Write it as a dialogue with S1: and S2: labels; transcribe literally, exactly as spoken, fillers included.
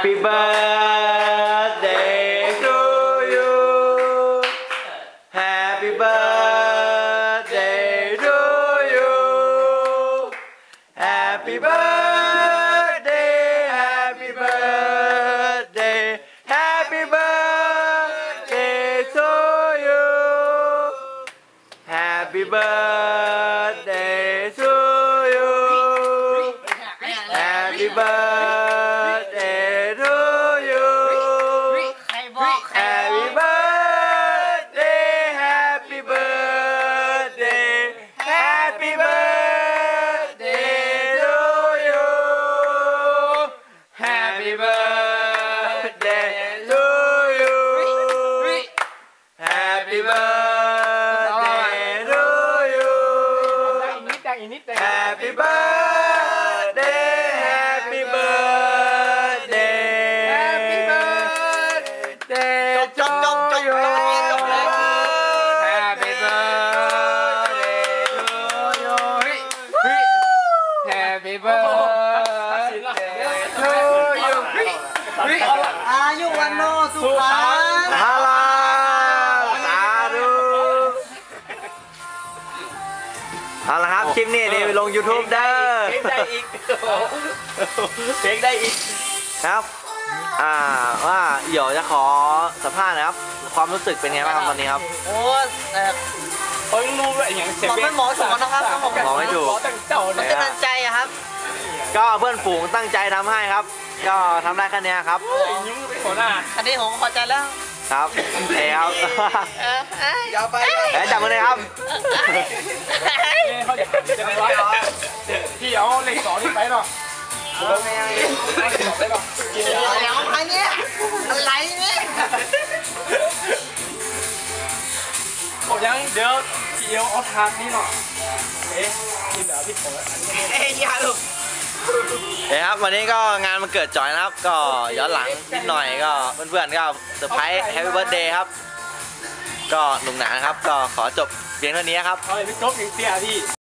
S1: Happy birthday to you Happy birthday to you Happy birthday Happy birthday Happy birthday to you Happy birthday to you Happy birthday to you Happy birthday Happy birthday Happy birthday to you Happy birthday to you Happy birthday to you Happy birthday Happy birthday Happy birthday to you Happy birthday to you Happy birthday to you
S2: อายุวันโนสุขัง
S1: ฮาลาสาธุเอาละครับคลิปนี้นี่ลง YouTube เด้อ
S3: เพลงได้อีกเพลงได้อีก
S1: ครับอ่าว่าเดี๋ยวจะขอสัมภาษณ์นะครับความรู้สึกเป็นไงบ้างครับตอนนี้ครับ
S2: โอ้แต่
S3: เขายังรู้ว่าอย่างเสีย
S2: บอกไม่หมอถูกนะครับ
S1: บอกไม่ถูก
S3: ตั้งเจ้า
S2: มัน
S3: เนี่ย
S2: กำลังใจอะครับ
S1: ก็เพื่อนฝูงตั้งใจทำให้ครับ ก็ทำได้แค่นี้ครับ
S3: ยิ้มเป็นหัวหน้า
S2: อันนี้ผมพอใจแล้ว
S1: ครับเอ้ครับ
S2: เออเอ้ย
S3: ยาวไป
S1: เอ้ยจับมือเลยครับ
S3: เขาจะจะไม่ร้อยพี่เอาเลขสองนี่ไปเนาะเลขสองไปเนาะ
S2: แล้วอันเนี้ยอะไรเนี่ย
S3: ผมยังเดี๋ยวพี่เอาเอาทางนี้เนาะเอ๊ะกินเดี๋ยวพี่ผมอันนี้
S2: เอ้ยยาลูก
S1: เอ้ครับวันนี้ก็งานมันเกิดจอยนะครับ ก็ย้อนหลังนิดหน่อยก็เพื่อนๆก็เซอร์ไพรส์แฮปปี้เบิร์ธเดย์ครับ ก็หนุกหนานะครับ ก็ขอจบเพียงเท่านี้ครับ
S3: เอาเลยพี่จบอีกเสียพี่